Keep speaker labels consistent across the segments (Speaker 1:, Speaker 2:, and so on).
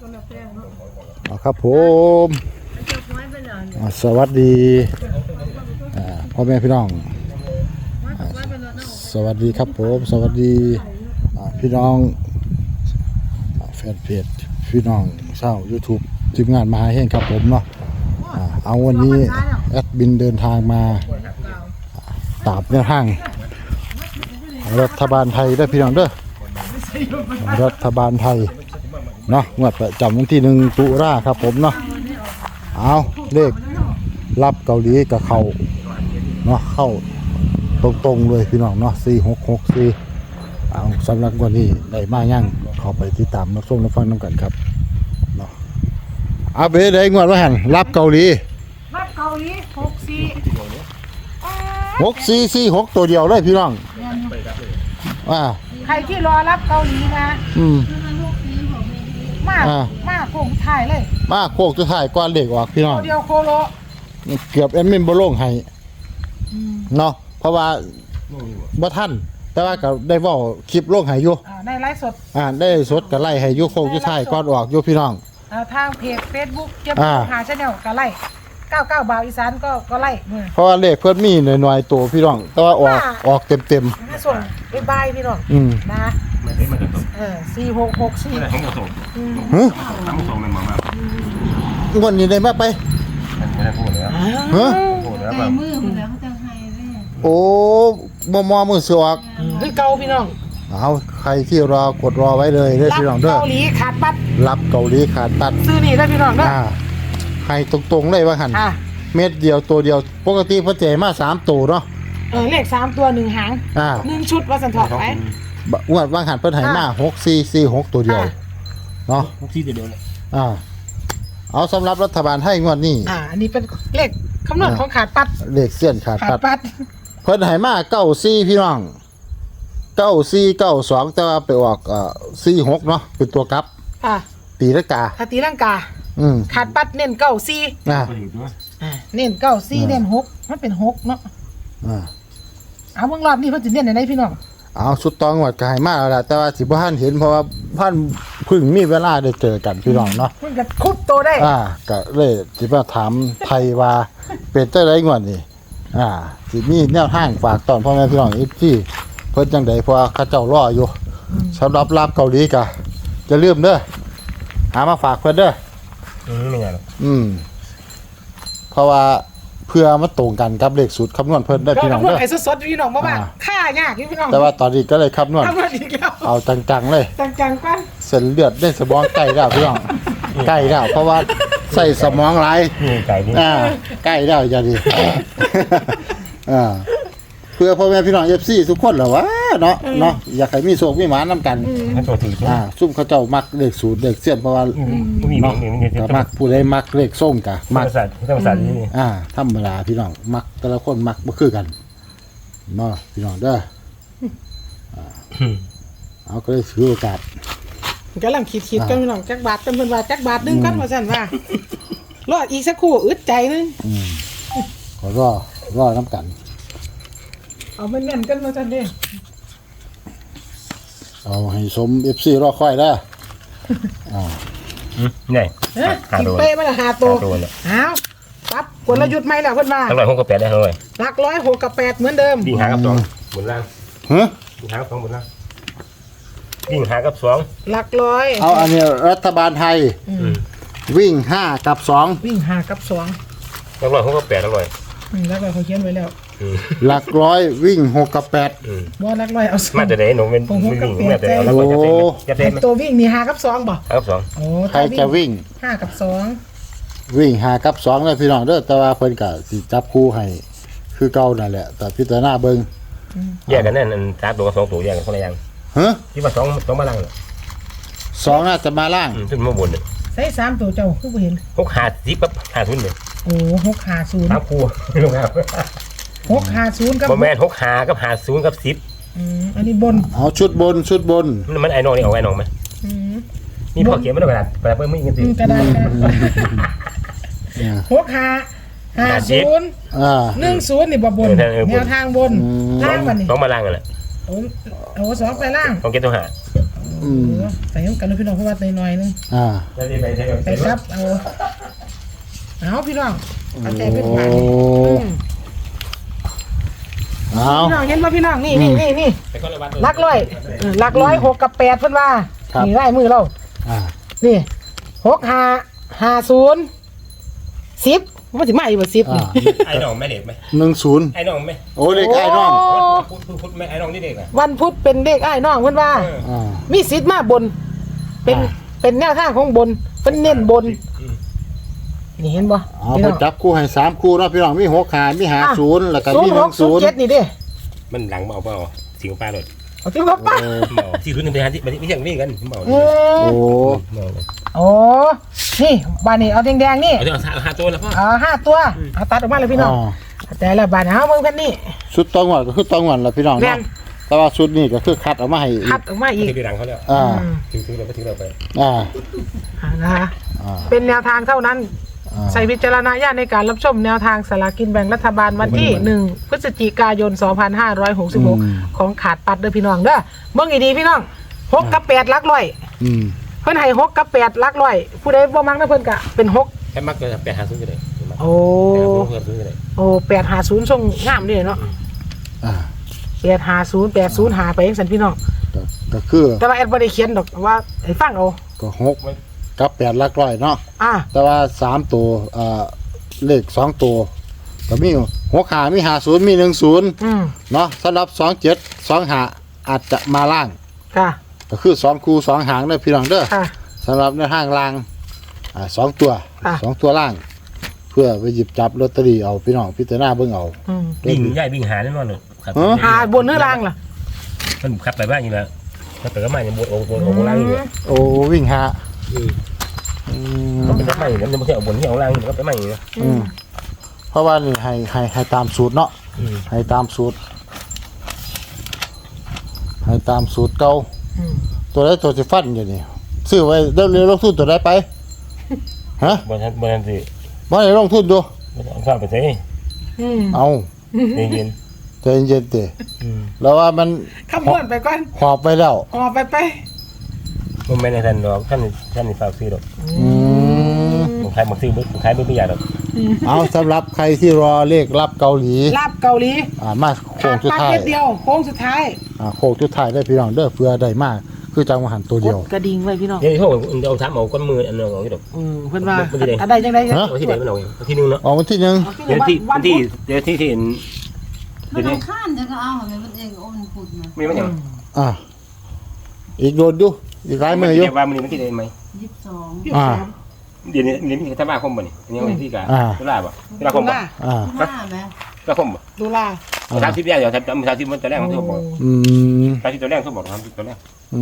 Speaker 1: ครับผมสวัสดีพ่อแม่พี่น้องสวัสดีครับผมสวัสดีพี่น้องแฟนเพจพี่น้องเช่า YouTube ทีมงานมาให้ครับผมเนาะเอาวันนี้แอดบินเดินทางมาตามแนวทางรัฐบาลไทยได้พี่น้องเด้อรัฐบาลไทยเนาะงวดประจำวันที่1 ตุลาครับผมเนาะเอาเลขรับเกาหลีกับเขาเนาะเข้าตรงๆเลยพี่น้องเนาะ4664เอาสำหรับวันนี้ได้มายั่งเข้าไปติดตามรับชมรับฟังน้ำกันครับเนาะเอาไปได้งวดว่าหันรับเกาหลี6446ตัวเดียวเลยพี่น้อง
Speaker 2: ใครที่รอรับเกาหลีนะมาโค้งถ่ายเลย
Speaker 1: มาโค้งจะถ่ายก้อนเด็กออกพี่น้อง
Speaker 2: เดียวโคโล
Speaker 1: เกือบแอดมินบ่ลงให้เนาะเพราะว่าบ่ทันแต่ว่าก็ได้เว้าคลิปลงให้อยู่
Speaker 2: ได้ไลฟ์สด
Speaker 1: ได้สดก็ไล่ให้อยู่โค้งจะถ่ายก้อนออกอยู่พี่น้อง
Speaker 2: ทางเพจ Facebook เจ็บหา Channel ก็ไล่99 บาทอีสานก็ไล่
Speaker 1: เพราะว่าเลขเพิ่นมีหน่อยๆตัวพี่น้องแต่ว่าออกเต็ม
Speaker 2: ๆส่งบายพี่น้องนะ4664
Speaker 1: งวดนี้ได้มาไป
Speaker 3: ไม่ได้พูดแล้ว
Speaker 4: ใจมือหมดแล้วเขาจะให้เลย
Speaker 1: โอ้มือสวก
Speaker 2: คือเกาพี่น้อง
Speaker 1: เอาใครที่รอกดรอไว้เลยได้พี่น้องเด้อ
Speaker 2: เกาหลีขาดปัด
Speaker 1: รับเกาหลีขาดปัด
Speaker 2: ซื้อนี่ได้พี่น้องเด้อ
Speaker 1: ให้ตรงๆเลยว่าหั่นเม็ดเดียวตัวเดียวปกติเพิ่นแจกมา3ตัวเนาะ
Speaker 2: เลข3ตัว1หาง1ชุดว่าสันทอดไป
Speaker 1: งวดว่าหั่นเพิ่นให้มา6446ตัวเดียวเนาะ
Speaker 3: 64ตัวเดียวเลย
Speaker 1: เอาสำหรับรัฐบาลให้งวดนี้
Speaker 2: อันนี้เป็นเลขคำนวณของขาดปัด
Speaker 1: เลขเสี้ยนขาดปัดเพิ่นให้มา94พี่น้อง9492แต่ว่าไปออก46เนาะเป็นตัวกลับตีลังกา
Speaker 2: ตีลังกาขาดปัดเน้น94เน้น94เน้น6มันเป็น6เนาะเอาเบิ่งรอบนี้เพิ่นสิเน้นไหนพี่น้อง
Speaker 1: เอาสุดตองหวัดกายมากแล้วล่ะแต่ว่าสิบ่ทันเห็นเพราะว่าท่านเพิ่งมีเวลาได้เจอกันพี่น้องเนาะ
Speaker 2: เพิ่นก็คุบโตได้
Speaker 1: ก็เลยสิมาถามไทยว่าเป็นจังได๋งวดนี้สิมีแนวทางฝากตอนพ่อแม่พี่น้อง FC เพิ่นจังได๋เพราะว่าเขาเจ้ารออยู่สำหรับรับเกาหลีก็อย่าลืมเด้อหามาฝากเพิ่นเด้อ
Speaker 3: ไม่ไงหรอก
Speaker 1: เพราะว่าเพื่อมาตรงกันกับเลขสูตรคำนวณเพิ่นได้พี่น้องเด้อ
Speaker 2: ไอ้สดๆพี่น้องบ่ว่าค่ายากพี่น้อง
Speaker 1: แต่ว่าตอนนี้ก็เลยคำนวณเอาจังๆเลย
Speaker 2: จังๆป่ะ
Speaker 1: เส้นเลือดในสมองใกล้แล้วพี่น้องใกล้แล้วเพราะว่าใส่สมองหลาย
Speaker 3: ไก่นี่
Speaker 1: ใกล้แล้วอย่าดิเพื่อพ่อแม่พี่น้อง FC ทุกคนแหละวะเนาะอยากให้มีโชคมีหมานำกันซุ่มเขาเจ้ามักเลขสูตรเลขเสี้ยนเพราะว่าเนาะมักผู้ใดมักเลขส้มกะมัก
Speaker 3: ธรรมศาสตร์นี่
Speaker 1: ธรรมดาพี่น้องมักแต่ละคนมักบ่คือกันเนาะพี่น้องเด้อเอาก็เลยถือโอกาส
Speaker 2: กำลังคิดกันพี่น้องจักบาทกันเพิ่นว่าจักบาทนึงกันว่าซั่นว่ารออีกสักครู่อึดใจนึง
Speaker 1: ขอรอน้ำกัน
Speaker 2: เอาแม่นๆกันมาจันเด้
Speaker 1: เอาให้สม FC รอค่อยได้
Speaker 3: ไง
Speaker 2: กินเป้มาละ5ตัวอ้าวปั๊บกลยุทธ์ใหม่แล้วเพิ่นว่า
Speaker 3: 100 6กับ8ได้เท่าไหร่
Speaker 2: หลัก100 6กับ8เหมือนเดิม
Speaker 3: วิ่งหากับ2บนล่างวิ่งหากับ2บนล่างวิ่งหากับ2
Speaker 2: หลัก100
Speaker 1: เอาอันนี้รัฐบาลไทยวิ่ง5กับ2
Speaker 2: วิ่ง5กับ2
Speaker 3: หลัก100 6กับ8อร่อย
Speaker 2: แล้วก็เขาเขียนไว้แล้ว
Speaker 1: หลักร้อยวิ่ง6กับ8
Speaker 2: บ่หลัก100เอา
Speaker 3: มาแต่ไหนหนูเป็นวิ่งมาแต่แล้ว
Speaker 2: จะเป็นตัววิ่งนี่5กับ2บ่
Speaker 3: 5กับ2
Speaker 2: โอ้
Speaker 1: ใครจะวิ่ง
Speaker 2: 5กับ2
Speaker 1: วิ่ง5กับ2เลยพี่น้องเด้อแต่ว่าเพิ่นก็สิจับคู่ให้คือเก่านั่นแหละแต่พิจารณาเบิ่ง
Speaker 3: แยกกันนั่น3ตัวกับ2ตัวแยกกันคนละอย่างที่ว่า2มาล่าง
Speaker 1: 2น่าจะมาล่าง
Speaker 3: ขึ้นมาบน
Speaker 2: ใส่3ตัวเจ้าคือบ่เห็น
Speaker 3: 650กับ50เลย
Speaker 2: โอ้650
Speaker 3: ครับครูลงครับ
Speaker 2: 650กับ
Speaker 3: บ่แม่น65กับ50กับ10
Speaker 2: อันนี้บน
Speaker 1: เอาชุดบน
Speaker 3: มันไอ้น้องนี่เอาไอ้น้องมั้ยมีพ่อเขียนมาด้วยกระดาษเพิ่นมีกันสิ
Speaker 2: กระดาษ6550 10นี่บ่บนแนวทางบนล่างบัดนี้
Speaker 3: ต้องมาล่างกันแหละ
Speaker 2: โอ้2ไปล่าง
Speaker 3: ต้องเก็บตัวหา
Speaker 2: ใส่กันนะพี่น้องเพราะว่าหน่อยนึง
Speaker 3: จะได้ไปใช้แบบ
Speaker 2: ไปครับเอาพี่น้องเอาแต่เป็นผ่าน
Speaker 1: เอา
Speaker 2: พี่น้องเห็นป่ะพี่น้องนี่
Speaker 3: ไปคนละวัด
Speaker 2: ลักร้อย6 กับ 8เพิ่นว่านี่ไล่มือเรา นี่6 5 50 10มันสิมาอีกบ่10นี่
Speaker 3: ไอ้น้องแม่เด็กไหม
Speaker 1: 10
Speaker 3: ไอ้น้องไหม
Speaker 1: โอ้เลขไอ้น้อง
Speaker 3: พุทธแม่ไอ้น้องนี่เด็กอ่ะ
Speaker 2: วันพุธเป็นเลขอ้ายน้องเพิ่นว่า มีสิทธิ์มาบน เป็นแนวทางของบนเพิ่นเน้นบน นี่เห็นบ่
Speaker 1: เอาไปจับคู่ให้3คู่เนาะพี่น้องมี6 5มี50แล้วก็มี
Speaker 2: 06 07
Speaker 1: 10
Speaker 2: นี่เด้
Speaker 3: มันหลังเอาเปล่าสิงปลาเลย
Speaker 2: เอาที่บ่ป่ะ
Speaker 3: ที่รุ่นหนึ่งไปหาที่ไม่ใช่นี่กันผมบอก
Speaker 1: โอ้
Speaker 2: โอ้นี่บานนี้เอาแดงๆนี่
Speaker 3: เอา5ตัวแล้วพ่อ
Speaker 2: 5 ตัวเอาตัดออกมาเลยพี่น้องแต่ละบานเอาเบิ่งกันนี่
Speaker 1: ชุดตองหวดก็คือตองหวดล่ะพี่น้อง
Speaker 2: แม่
Speaker 1: เนาะ
Speaker 2: น
Speaker 1: แต่ว่าชุดนี้ก็คือคัดออกมาให้อี
Speaker 2: คั
Speaker 1: ก
Speaker 2: ดออกมาอีก
Speaker 3: ที่หลังเขาแล้วถึงเราไปถึงเราไป
Speaker 2: นะคะเป็นแนวทางเท่านั้นใส่วิจารณญาณในการรับชมแนวทางสลากกินแบ่งรัฐบาลวันที่1 พฤศจิกายน 2566 ของขาดปัดเด้อพี่น้องเด้อเบิ่งดีๆพี่น้อง6 กับ 8 ลักร้อยเพิ่นให้6 กับ 8 ลักร้อยผู้ใดบ่มักนะเพิ่นก็เป็น6
Speaker 3: แค่มักจะ8 5 0ก็ได้
Speaker 2: โอ้850ส่งงามเลยเนาะ850 80หาไปจังซั่นพี่น้อง
Speaker 1: ก็คือ
Speaker 2: แต่ว่าแอดบ่ได้เขียนดอกว่าให้ฟังเอา
Speaker 1: ก็6กับ8หลักร้อยเนาะ แต่ว่า3ตัวเลข2ตัวก็มี6 5มี50มี10เนาะสำหรับ27 25อาจจะมาล่าง
Speaker 2: ค่ะ
Speaker 1: ก็คือ2คู่2หางเด้อพี่น้องเด้อ
Speaker 2: ค่ะ
Speaker 1: สำหรับในทางล่าง2ตัว
Speaker 2: ค่ะ
Speaker 1: 2ตัวล่าง เพื่อไปหยิบจับลอตเตอรี่เอาพี่น้องพิจารณาเบิ่งเอา
Speaker 3: วิ่งใหญ่วิ่งหาแน่นอนเลยครับ
Speaker 2: หาบนหรือล่างล่ะ
Speaker 3: มันขับไปบ้านอยู่แล้วขับไปก็มาอย่างบนโอ่งล่างอยู่
Speaker 1: โอ้วิ่งหา
Speaker 3: มันเป็นไม่แล้วมันไม่ใช่เอาบนที่เอาล่างมันก็ไปไม่อยู่
Speaker 1: เพราะว่านี่ให้ตามสูตรเนาะให้ตามสูตรเก่าตัวใดตัวสิฟันอยู่นี่ซื้อไว้เดี๋ยวลงทุนตัวใดไปฮะ
Speaker 3: บนนั้นสิ
Speaker 1: บ่ได้ลงทุนดู
Speaker 3: เอาข้าวไปใส่
Speaker 1: เอา
Speaker 3: เย็น
Speaker 1: ใจเย็นๆติแล้วว่ามัน
Speaker 2: คำนวณไปก่อน
Speaker 1: หอบไปแล้ว
Speaker 2: ออกไป
Speaker 3: มันไม่ในทันดอกท่านฝากซื้อดอกผมขายมาซื้อผมขายไม่ใหญ่ดอก
Speaker 1: เอาสำหรับใครที่รอเลขรับเกาหลี
Speaker 2: ลาบเกาหลี
Speaker 1: มาโค้งสุด
Speaker 2: ปาก
Speaker 1: ท้าย
Speaker 2: เม็ดเดียวโค้งสุดท้าย
Speaker 1: โค้งสุดท้ายได้พี่น้องเด้อเพื่อได้มากคือจังหวะหันตัวเดียว
Speaker 2: กระดิ่งไว้พี่น้อง
Speaker 3: เดี๋ยวเขาเอาทำเอาก้นมืออันนึงเอาที่ดอก
Speaker 2: เพิ่นว่าอะไรจังได๋
Speaker 3: เอาที่ไหนมันเอาที่นึงเนาะ
Speaker 1: ออกวันที่หนึ่ง
Speaker 3: เดี๋ยวที่เห็น
Speaker 4: มันเอาข้านจะก็เอาอะไรมันเองโอนขุดมา
Speaker 3: ไม่มันอย่าง
Speaker 1: อีกโดนดูอีกหลายมืออยู่
Speaker 3: ว่ามันที่ไหนไหม
Speaker 4: 22
Speaker 3: เดี๋ยวนี้มีธรรมะคมบ่นี่อันนี้วันที่กาตุลาบ่ตุลาคมบ่
Speaker 4: 5แม่
Speaker 3: ตุลาคมบ่
Speaker 2: ดูลา
Speaker 3: 30แรกเดี๋ยว30มันตัวแรกมันถูกบอก30ตัวแรกถูกบอก30ตัวแรก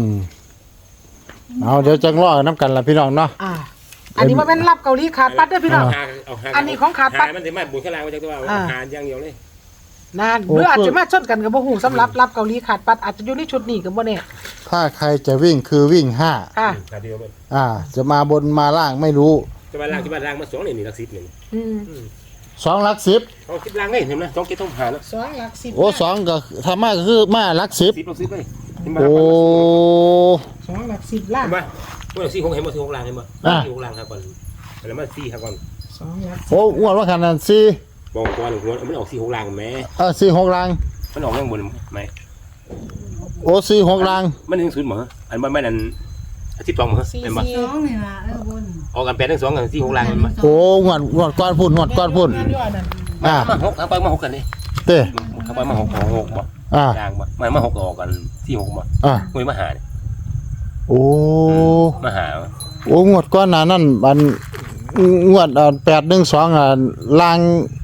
Speaker 1: เอาเดี๋ยวจังรอน้ำกันละพี่น้องเนาะ
Speaker 2: อันนี้มันเป็นลาบเกาหลีขาดปัดเด้อพี่น้องอันนี้ของขาดปัด
Speaker 3: มันจะมาบุญข้างล่างมาจากตัวหาอย่างเดียวเลย
Speaker 2: นานหรืออาจจะมาชนกันกับบ่ฮู้สำหรับลาบเกาหลีขาดปัดอาจจะอยู่ในชุดนี้ก็บ่แน่
Speaker 1: ถ้าใครจะวิ่งคือวิ่ง5
Speaker 2: ค่ะ
Speaker 3: เดียวเลย
Speaker 1: จะมาบนมาล่างไม่รู้
Speaker 3: จะมาล่างมา2นี่หลัก10นี่
Speaker 1: 2หลัก10
Speaker 3: เอาคิดล่างได้เห็นมั้ย2คิดต้องหาแล้ว
Speaker 2: 2หลัก10
Speaker 1: โอ้2ก็ถ้ามาก็คือมาหลัก10
Speaker 3: 10เราซื้อไป
Speaker 1: โอ้
Speaker 2: 2หลัก10ล่าง
Speaker 3: เห็นมั้ยเมื่อ4 6เห็นบ่4 6ล่างเห็นบ่4 6ล่างครับก่อนแล้วมา4ครับก่อน
Speaker 2: 2หลัก
Speaker 1: โอ้อ้วนว่าขนาด4
Speaker 3: บอกก่อนหัวมันออก4 6ล่างแม่
Speaker 1: 4 6ล่าง
Speaker 3: มันออกยังบนไหม
Speaker 1: โอ้4 6ล่าง
Speaker 3: มันถึง0เหรออันมันไม่นั่น12เหรอเห็นบ่
Speaker 4: 2นี่ล่ะบน
Speaker 3: ออกกัน8 2กัน4 6ล่างเห็นบ่
Speaker 1: โอ้งวดก้อนพุ่นงวดก้อนพุ่น
Speaker 2: งานอยู่อันนั้น
Speaker 3: มา6เอาไปมา6กันดิ
Speaker 1: เต้
Speaker 3: เอาไปมา6บ่ล่างบ่มา6ออกกัน4 6บ่งวยมาหา
Speaker 1: โอ้
Speaker 3: มาหา
Speaker 1: โอ้งวดก้อนหน้านั่นอันงวด812ล่าง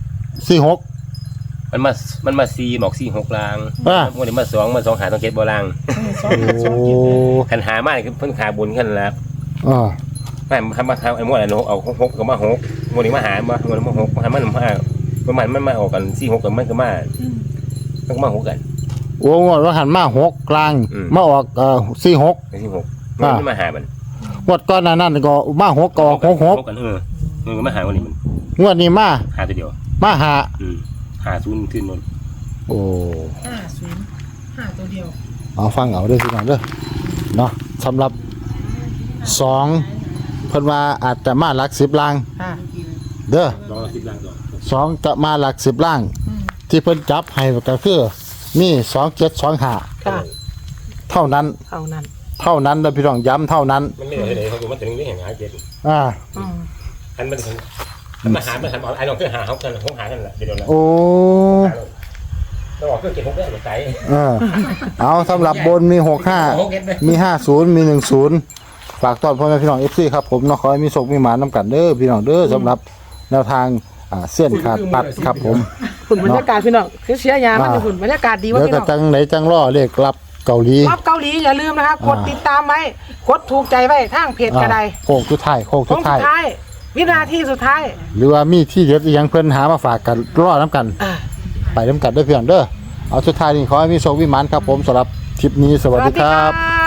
Speaker 1: 46
Speaker 3: มันมา4บอก4 6ล่างงวดนี้มา2มา2หาต้อง7บ่ล่าง
Speaker 2: 2
Speaker 3: คันหามาคือเพิ่นขาบนคั่นล่ะ ไม่มาทำไอ้มวดอะไรเอา6กับมา6มวดนี้มาหามาหามา6มันมาออกกัน4 6กับมันก็มา6กัน
Speaker 1: โอ้งวดว่าหันมา6กลางมาออก46
Speaker 3: ไอ้4 6มันมาหามัน
Speaker 1: งวดก่อนหน้านั้นก็มา6ก็ออก66
Speaker 3: กันมันก็มาหาวันนี้มัน
Speaker 1: งวดนี้มา
Speaker 3: หาตัวเดียว
Speaker 1: มาหา
Speaker 3: หา0ขึ้นนน
Speaker 1: โอ้
Speaker 2: 50 5ตัวเดียว
Speaker 1: เอาฟังเอาเด้อพี่น้องเด้อเนาะสำหรับ2เพิ่นว่าอาจจะมาหลัก10ล่าง
Speaker 2: ค่ะ
Speaker 1: เด้อ
Speaker 3: รอ10ล้านดอก
Speaker 1: 2จะมาหลัก10ล่าง ที่เพิ่นจับให้ก็คือมี2725
Speaker 2: ค่ะ
Speaker 1: เท่านั้น
Speaker 2: เท่านั้น
Speaker 1: เท่านั้นนะพี่น้องย้ำเท่านั้น
Speaker 3: มันไม่ได้เขาดูมันถึงนี่เห็นหาเจ็ด
Speaker 1: อ่า
Speaker 2: อืม
Speaker 3: อันมันถึงมันหาเอาไอ้ลองเครื่องหาเขากันห้องหากันแหละเดี๋ยวแล้ว
Speaker 1: โอ้
Speaker 3: เราบอกเครื่องเก็บ6ได้หรือไกล
Speaker 1: เอาสำหรับบนมี65มี50มี10ฝากต้อนพ่อแม่พี่น้อง FC ครับผมเนาะขอให้มีโชคมีหมานํกันเด้อพี่น้องเด้อสำหรับแนวทางเส้นขาดปัดครับผม
Speaker 2: ฝุ่นบรรยากาศพี่น้องคือเสียยามันฝุ่นบรรยากาศดีว่า
Speaker 1: เดี๋ยว
Speaker 2: พี่
Speaker 1: ก็
Speaker 2: น้อง
Speaker 1: จังไหนจังล่อเลขรับเกาหลี
Speaker 2: รอบเกาหลีอย่าลืมนะคะกดติดตามไว้กดถูกใจไว้ทางเพจกระได
Speaker 1: โค้งสุดท้ายโค้ง
Speaker 2: ข
Speaker 1: สุ
Speaker 2: อง
Speaker 1: ด
Speaker 2: สุ
Speaker 1: ท้าย
Speaker 2: ดท้าย วินาทีสุดท้าย
Speaker 1: หรือว่ามีที่เด็ดอีหยังเพิ่นหามาฝากกันรอน้ำกัน ไปน้ำกันเด้อพี่น้องเด้อเอาสุดท้ายนี่ขอให้มีโชคมีหมานครับผมสำหรับคลิปนี้สวัสดีครับ
Speaker 2: บ